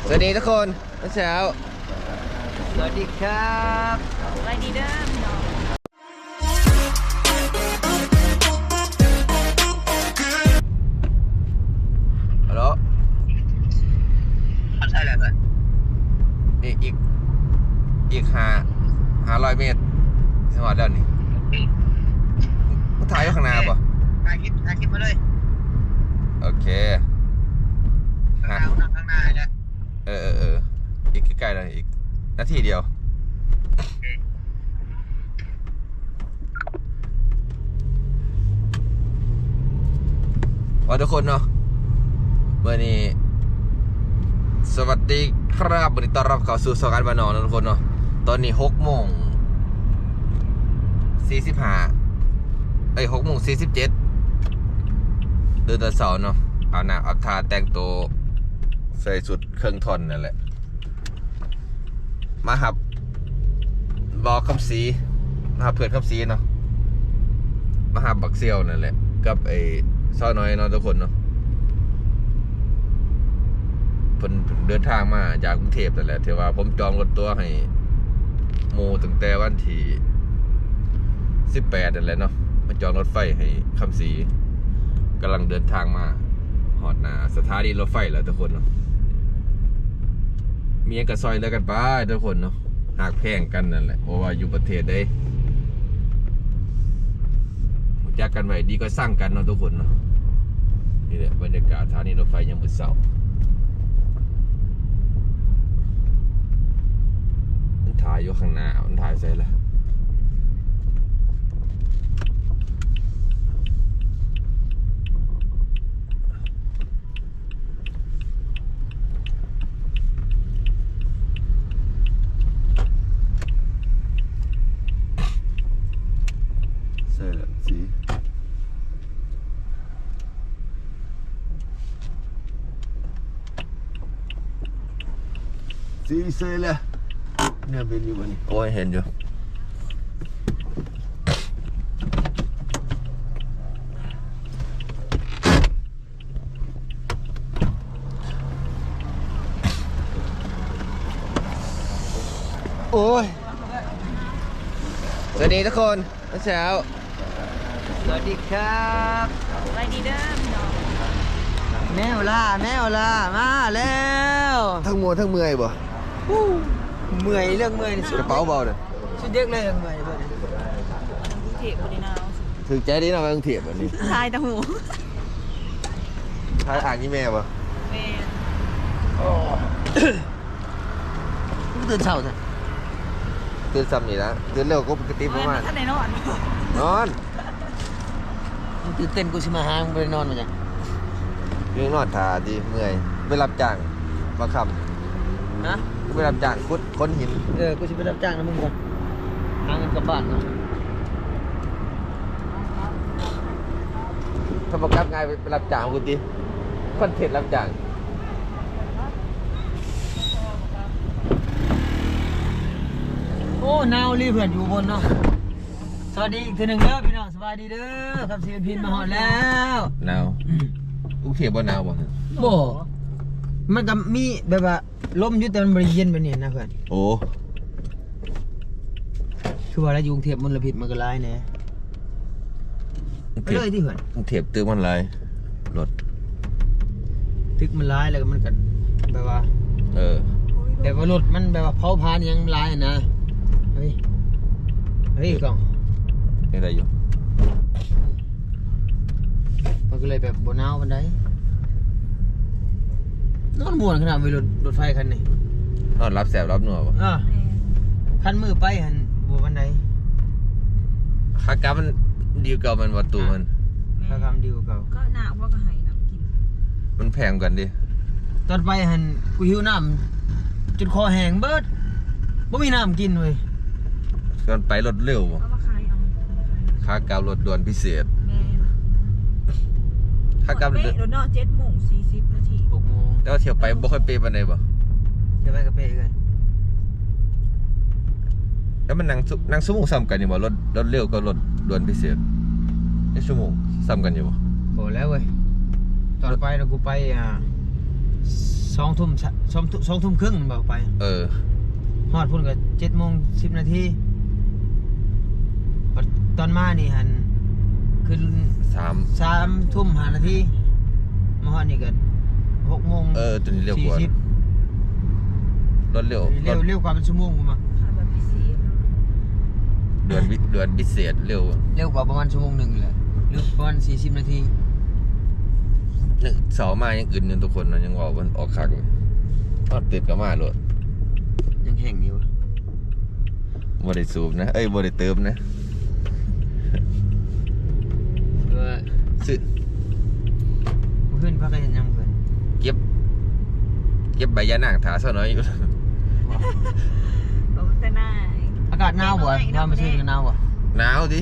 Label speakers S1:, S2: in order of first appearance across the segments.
S1: สวัสดีทุกคนเช้า
S2: สวัสดีครับ
S3: สวัสดีเด้อพี่น้อง
S1: ฮัลโหล
S2: ใช่แล้วกัน
S1: อีก500 เมตรสวัสดีนี่มึงถ่ายอยู่ข้างหน้าป่ะ
S2: ถ่ายคลิปมาเลย
S1: โอเค
S2: ข้างหน้าเนี่ย
S1: อีกใกล้ๆแล้วอีกนาทีเดียวว่าทุกคนเนาะเมื่อนี้สวัสดีครับวันนี้ต้อนรับเข้าสู่สการบ้านนอกนะทุกคนเนาะตอนนี้6:45 6:47เดินตะเสาเนาะเอาหน้าเอาทาแต่งตัวใส่สุดเครื่องทนนั่นแหละมาหับบอกคำสีมาหับเพื่อนคำสีเนาะมาหับบักเซียวนั่นแหละกับไอ้ซ้อน้อยเนาะทุกคนเนาะเพิ่นเดินทางมาจากกรุงเทพนั่นแหละถือว่าผมจองรถตัวให้โมตั้งแต่วันที่18นั่นแหละเนาะมาจองรถไฟให้คำสีกำลังเดินทางมาหอดหน้าสถานีรถไฟแล้วทุกคนเนาะมีกระซอยแล้วกันไปทุกคนเนาะหากแพงกันนั่นแหละเพราะว่าอยู่ประเทศได้รู้จักกันไว้ดีก็สร้างกันเนาะทุกคนเนาะนี่แหละบรรยากาศสถานีรถไฟยามมื้อเช้ามันถ่ายอยู่ข้างหน้ามันถ่ายใส่ละสีเซเลยเนี่ยเป็นอยู่บนนี้โอ้ยเห็นอยู่โอ้ยสวัสดีทุกคนเช้า
S2: สวัสดีครับ
S3: สวัสดีเด้อพี่น้อง
S2: แมวล่ามาแล้ว
S1: ทั้งมัวทั้งเมื่อยบ่
S2: เมื่อยเรื่องเมื่อยสุด
S1: กระเป๋าเบาเลย
S2: สุดเด็กเลยเมื่อยเลย
S3: กรุงเทพบ่ได้หนาว
S1: ถึงใจดีนะไปกรุงเทพแบบนี้
S3: ทายตะหู
S1: ทายอ่านยี่แม่ป่ะ
S3: แม่น
S2: ตื่นเช้าจ้ะ
S1: ตื่นซ้ำนี่นะตื่นเร็วก็ปกติประมาณ
S3: ท่านไหนนอน
S1: นอน
S2: ตื่นเต้นกูสิมาหามึงไปนอนมาจ้ะ
S1: ยังนอนถ่าดีเมื่อยไปรับจ้างมาค
S2: ฮะ
S1: ำไปรับจ้างขุดค้นหิน
S2: กูสิไปรับจ้างนะมึงก่อนหาเงินกลับบ้านเนาะ
S1: ถ้าประกับง่ายไปรับจ้างกูดิคอนเทนต์รับจ้าง
S2: โอ้นาวรีเพื่อนอยู่บนเนาะสวัสดีอีกทีหนึ่งเด้อพี่น้องสวัสดีเด้อครับศิลปินมาหอดแล้ว
S1: หนาวกรุงเทพบ่หนาวบ่ฮะ
S2: บ่มันก็มีแบบว่าลมอยู่แต่มันบริเย็นแบบนี้นะเพื่อน
S1: โอ้
S2: คือว่าแล้วอยู่กรุงเทพมลพิษมันก็ร้ายแน่ไปเลยที่เพื่อน
S1: กรุงเทพตึกมันหลายรถ
S2: ตึกมันร้ายแล้วก็มันก็แบบว่า แบบว่ารถมันแบบว่าเผาผลาญยังร้ายนะเฮ้ยกล่อง
S1: นี่ได้อยู่
S2: มันก็เลยแบบบ่หนาวปานใดนอนม่วนขนาดไปรถไฟคันนี้
S1: นอนรับแสบรับหนัวบ่
S2: คันมือไปหันบ่ปานใด
S1: คากามันดีเก่ามันวัตถุมัน
S2: ถ้าคำดีกว่าเก่า
S3: ก็หนาวเพราะก็หายน้ำกิน
S1: มันแพงกันดิ
S2: ตอนไปหันกูหิวน้ำจนคอแห้งเบิดบ่มีน้ำกินเว้ย
S1: ก่อนไปรถเร็วบ่
S3: เอามาขายเอา
S1: คาการถด่วนพิเศษ
S3: แม่น
S1: คากา
S3: เป๊ะรถนอน7:40 นาที
S2: 6 โมง
S1: แต่ว่าเที่ยวไปบ่ค่อยเปย์ปานใดบ่
S2: จะไปกระเปกัน
S1: แล้วมันนั่งชั่วโมงซ้ำกันอยู่บ่รถเร็วกับรถด่วนพิเศษนี่ชั่วโมงซ้ำกันอยู่บ่
S2: บอกแล้วเว้ยตอนไปเรากูไป 2 ทุ่ม2 ทุ่มครึ่งบอกไป ฮอดพุ่นก็7:10 นาทีตอนมานี่หันขึ้น 3 ทุ่ม5 นาทีมาฮอดนี่ก็6 โมง
S1: ตัวนี้เร็วกว่ารถเร็ว
S2: เร็วกว่าเป็นชั่วโมงกูมา
S3: ค่ะแบบพิเศษเนาะ
S1: เดือนพิเศษเร็ว
S2: เร็วกว่าประมาณชั่วโมงหนึงแหละหรือประมาณ40 นาที
S1: นึกเสามายังอื่นอยู่ทุกคนนะยังว่ามันออกคักเลยทอดติดกับมาโลด
S2: ยังแห้งอยู่
S1: บ่ได้สูบนะบ่ได้เติมนะ
S2: เออ
S1: ซื้อ
S2: เมื่อคืนพักกันยังเพิ่น
S1: เก็บใบยานางถาซะหน่อยอยู่
S3: โอ้แต่หน้า
S2: อากาศหนาวบ่ว่าไม่ใช่กันหนาวบ่
S1: หนาวดิ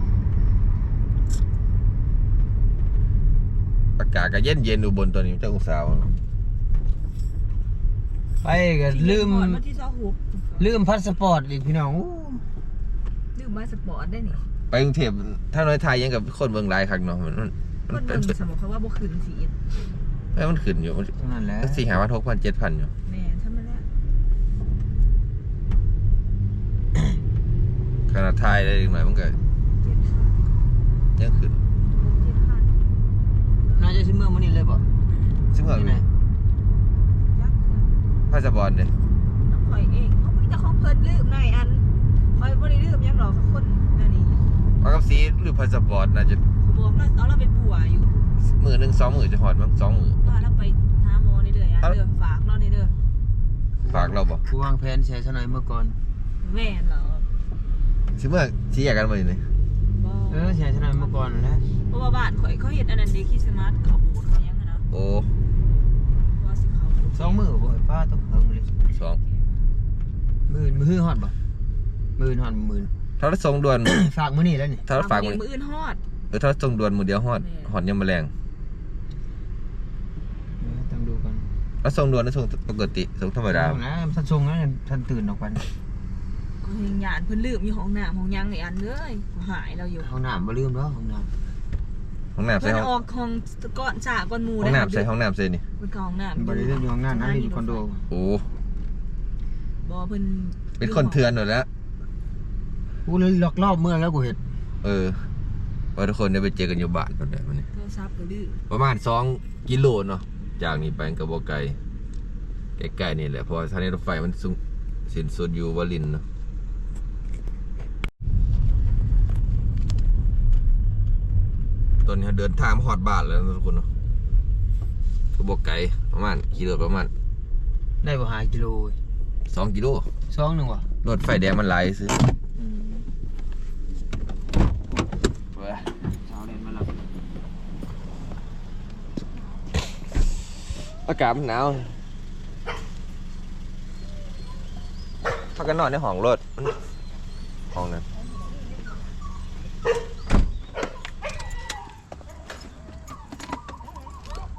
S1: อากาศก็เย็นอุบลตัวนี้เจ้าองศา
S2: ไปก็ลืม
S3: มาที่26
S2: ลืมพาสปอร์ตอีกพี่น้องอู้
S3: ลืมพาสปอร์ตได้นี่
S1: ไปกรุงเทพถ้าน้อยไทยยังกับคนเมืองหลายคักเนาะมัน
S3: คนเบิ่งสมมุติเขาว่าบ่คืนสี
S1: มันขึ้นอยู่มัน
S2: เท่านั้นแหละ
S1: 4,500 6,000 7,000อยู่
S3: แม่นทำมาแล้ว
S1: ขนาดไทยได้อีกหน่อยมันก็ยังขึ้น
S2: น่าจะซื้อเมื่อมื้อนี้เลยบ่
S1: ซึ่งเหรอ
S2: ที่ไหน
S1: พาสปอร์ตเนี่ย
S3: น้องข่อยเองเขามีแต่ของเพิ่นลืมหน่อยอันข่อยบ่ได้ลืมหยังหรอกคนนั่นนี่
S1: มากับสีหรือพาสปอร์ตน่าจะ
S3: บอกเราเอาเราไปปัวอยู่
S1: มือหนึ่ง2 มือจะหอดมั้ง2 มือ
S3: ว่าเราไปหาหมอนี่เด้ออ่ะเด้อฝากเรานี่เด้อ
S1: ฝากเราบ่
S2: ผู้วางแผนใช้ซะหน่อยเมื่อก่อน
S3: แม่นเหรอ
S1: สิเมื่อสิแยกกันบ่นี่
S3: บ่
S2: ใช้ซะหน่อยเมื่อก่อนนั่นแหละ
S3: เพราะว่าบ้านข่อยเขาเฮ็ดอันนั้นเด้คริสต์มาสเขาโบสถ์เขาหยังอะนะ
S1: โอ้
S3: ว่าสิเขาโบสถ์
S2: 2 มื้อบ่ป้าต้องเพิ่งเลย
S1: 2
S2: มื้อฮอดบ่มื้อฮอดมื้อ
S1: ถ้าเราส่งด่วน
S2: ฝากมื้อนี้แล้วนี่
S1: ถ้าเราฝาก
S3: มื้
S1: มือ
S3: ออื่นฮอด
S1: ถ้าส่งด่วนมือเดียวฮอดยังแมลง
S2: ต้องดูกัน
S1: แล้วส่งด่วนหรือส่งปกติส่งธรรมดา
S2: นะท่านทรงนั้นท่านตื่นออกไป
S3: ก็ยังหยานเพิ่นลืมอยู่ห้องน้ำห้องหยังไอ้อันเอ้ยหายเราอยู่
S2: ห้องน้ำบ่ลืมแล้วห้องน้
S1: ห้องน้ำใส่
S3: เพิ่น
S1: ห้อง
S3: ออกห้องก่อนจากก่อนหมู่
S1: ห้องน้ำใส่ห้องน้ำใส่นี่
S3: เพิ่นก็ห้องน้ำ
S2: ำบ่ได้ลืมอยู่ห้องน้ำนะนี่คอนโด
S1: โอ้
S3: บ่เพิ่น
S1: เป็นคนเถื่อนหมดแล้ว
S2: กูเลยหลอกรอบเมื่อแล้วกูเห็น
S1: ว่าทุกคนได้ไปเจอกันอยู่บ้านตอนนี้มันนี่
S3: โทรศัพท์ก็ดื้อ
S1: ประมาณ2 กิโลเนาะจากนี้ไปกับบ่ไกลใกล้ๆนี่แหละเพราะสถานีรถไฟมันสูงสิ้นสุดอยู่วลินทร์เนาะตอนนี้เดินทางมาฮอดบ้านแล้วนะทุกคนเนาะก็บ่ไกลประมาณขี่รถประมาณ
S2: ได้บ่หากิโล
S1: 2 กิโล
S2: 2นึงว่ะ
S1: รถไฟแดงมันหลายซื้อ
S2: เช้าเล่นมาแล้ว
S1: อากาศมันหนาวพักกันนอนในห้องรถห้องนั้นโอ้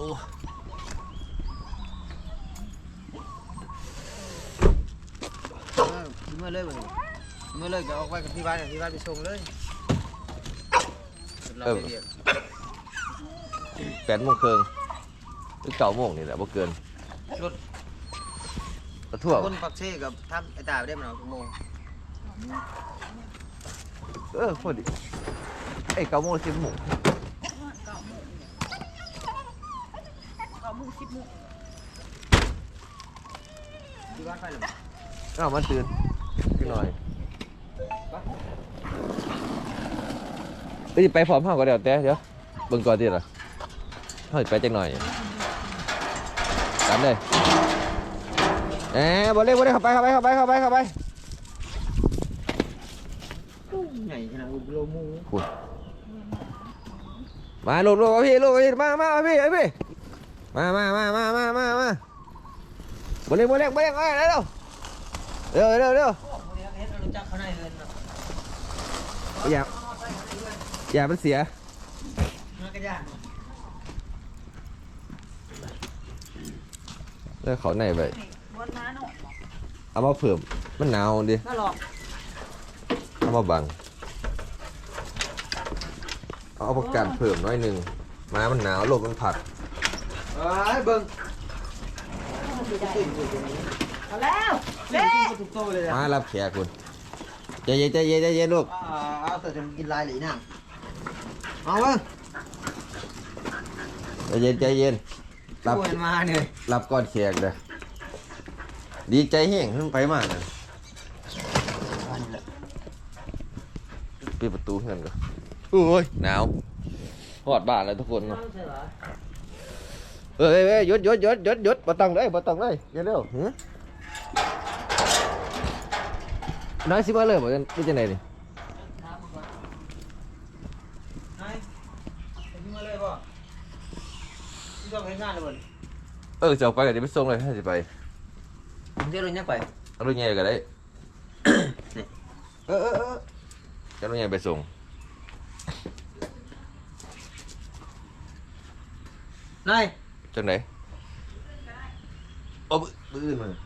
S2: เมื่อเลยบ่เมื่อเลยก็ออกไปกับที่บ้านไปส่งเลยเราไปเรียก
S1: 8 โมงครึ่งหรือ9 โมงนี่แหละบ่เกิน
S2: รถ
S1: ทั่ว
S2: คนปักเซ่กับทำไอ้ตาได้มันเอาชั่วโมง
S1: พอดี9 โมง 10 โมง
S3: 9 โมง 10 โมง
S2: ที่บ้านไปหรือ
S1: มันตื่นขึ้นหน่อยไปพร้อมเฮาก็เดี๋ยวเบิ่งก่อนติล่ะเฮาสิไปจักหน่อยตามเลยบ่เลยเข้าไป
S2: ใหญ่ขนาดกิโลมู
S1: มาลูกพี่มาพี่มาบ่เร่งเร็วเร็วอย่ามันเสียแล้วเขาไหนไป
S3: วันน้าเนาะ
S1: เอามาเพิ่มมันหนาวดิ
S3: มาหลอก
S1: เอามาบังเอาประกันเพิ่มน้อยหนึ่งมามันหนาวลมมันผัด
S2: เบิ่ง
S3: เอาแล้วเด้
S2: ทุกโตเลย
S1: มารับแขกคุณใจเย็นใจเย็นใจเย็นลูก
S2: เอาแต่จะกินลายหรือน่ะเอาเว้ย
S1: ใจเย็นใจเย็นรับ
S2: ชวนมาเนี่ย
S1: รับก่อนแขกเลยดีใจแห้งขึ้นไปมากเลยปิดประตูเงินก่อนโอ้ยหนาวหอดบ้านแล้วทุกคนเนาะเอ้ยหยุดบ่ต้องเลยเร็วๆน้อยสิมาเลยบ่กันนี่จะไหนนี่
S2: มาเลยป่ะที่ต้องให้งานเลยบ่
S1: จะออกไปก็เดี๋ยวไปส่งเลยถ้าสิไป
S2: ผมจะลงยังไป
S1: เอารถใหญ่ก็ได้
S2: เออ
S1: จะรถใหญ่ไปส่ง
S2: นาย
S1: จังไหนโอ้บื้อมัน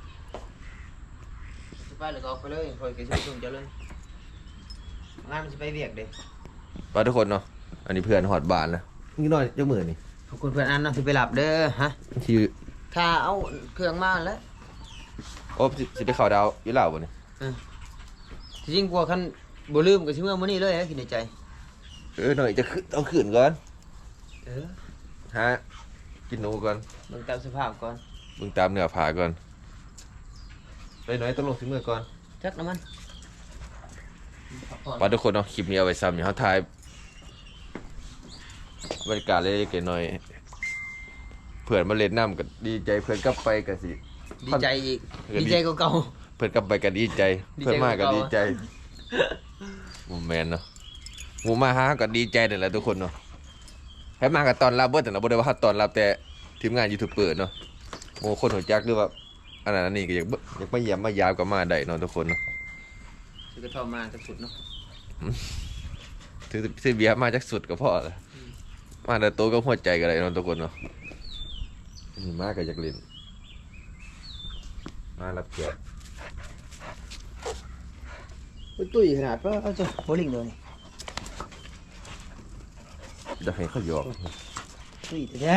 S2: ไปเลยก็ไปเลยคอยกินช่วงจะเลยงานมันจะไปเวียกเด้
S1: ไปทุกคนเนาะอันนี้เพื่อนหอดบ้านนะนี่น้อยจักมือนี่
S2: ขอบคุณเพื่อนอันนะที่ไปหลับเด้อฮะ
S1: ที่
S2: ถ้าเอาเครื่องมาแล้ว
S1: โอ้สิไปเข้าดาวอยู่ลาวบ่นี่
S2: จริงกว่าคันบ่ลืมก็สิเมื่อมื้อนี้เลยคิดในใจ
S1: หน่อยจะขึ้นเอาขึ้นก่อน
S2: เออ
S1: ฮะกินหนูก่อน
S2: เบิ่งตามสภาพก่อน
S1: เบิ่งตามเนื้อผาก่อนไปหน่อยต้องลงสิมือก่อน
S2: จักน้ำมัน
S1: ว่าทุกคนเนาะคลิปนี้เอาไว้ซ้ำอย่างเขาถ่ายบรรยากาศเล็กๆน้อยๆเพื่อนมาเล่นน้ำก็ดีใจเพื่อนกลับไปก็สิ
S2: ดีใจอีกดีใจกว่าเก่า
S1: เพื่อนกลับไปก็ดีใจ
S2: ดีใจ
S1: เพื่อนมาก็
S2: กว่าเก่า
S1: ดีใจโมแมนเนาะหมูมาหาก็ดีใจนั่นแหละทุกคนเนาะให้มากับตอนรับเบิดแต่เราบ่ได้ว่าเขาตอนรับแต่ทีมงานยูทูบเบอร์เนาะโมคนหัวจักหรือว่าอันนั้นอันนี้ก็อยากมาเยี่ยมมายามกับมาได้เนาะทุกคนเนาะ
S2: ซื้อกระท่อมมาจะสุดเนาะ
S1: ซื้อเบียร์มาจากสุดก็พอละมาแต่โตก็หัวใจกันเลยเนาะทุกคนเนาะนี่มาก็อยากเล่นมารับแขก
S2: ตุ้ยขนาดว่าเอาจะโบลิ่งเลย
S1: จะให้เขาหยอก
S2: ตุ้ยแท้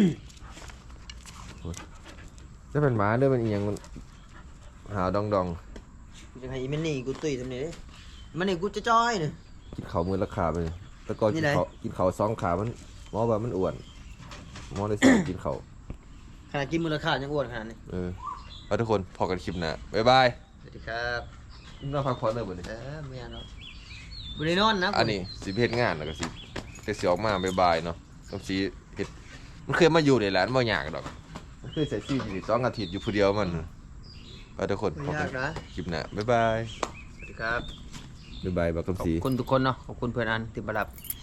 S1: ถ้าเป็นหมาเด้อมันอีหยังมันหาวดอง
S2: จะให้มันนี่กูตุ้ยทำนี่เด้มันนี่กูจะจ้อยเนี่ย
S1: กินข้าวมือละขาไปเลยแต่ก่อน
S2: นี่
S1: กิน
S2: ไหน
S1: ข้าวสองขามันหมอว่ามันอ้วนหมอเลยสั่งกินข้าว
S2: ขนาดกินมูลค่ายังอ้วนขนาดนี้
S1: เอาทุกคนพอกันคลิปหน้าบ๊ายบาย
S2: สวัสดีครับ
S1: เราพักผ่อนเลยบ่นี่
S2: ไม่เอาเนาะบุรีนอนนะ
S1: อันนี้สิเฮ็ดงานแล้วก็สิแต่สิออกมาบ๊ายบายเนาะต้องสิเฮ็ดมันเคยมาอยู่ในร้านบ่ยากดอกมันเคยใส่ซีอยู่2 อาทิตย์อยู่ผู้เดียวมันเอาทุกคน
S2: ไม่
S1: พอกั
S2: ยาน กนะ
S1: คลิปหน้าบ๊ายบาย
S2: สวัสดีครับ
S1: บ๊ายบายบัก
S2: ขอบ
S1: คำศรี
S2: คุณทุกคนเนาะขอบคุณเพื่อนอันที่มารับ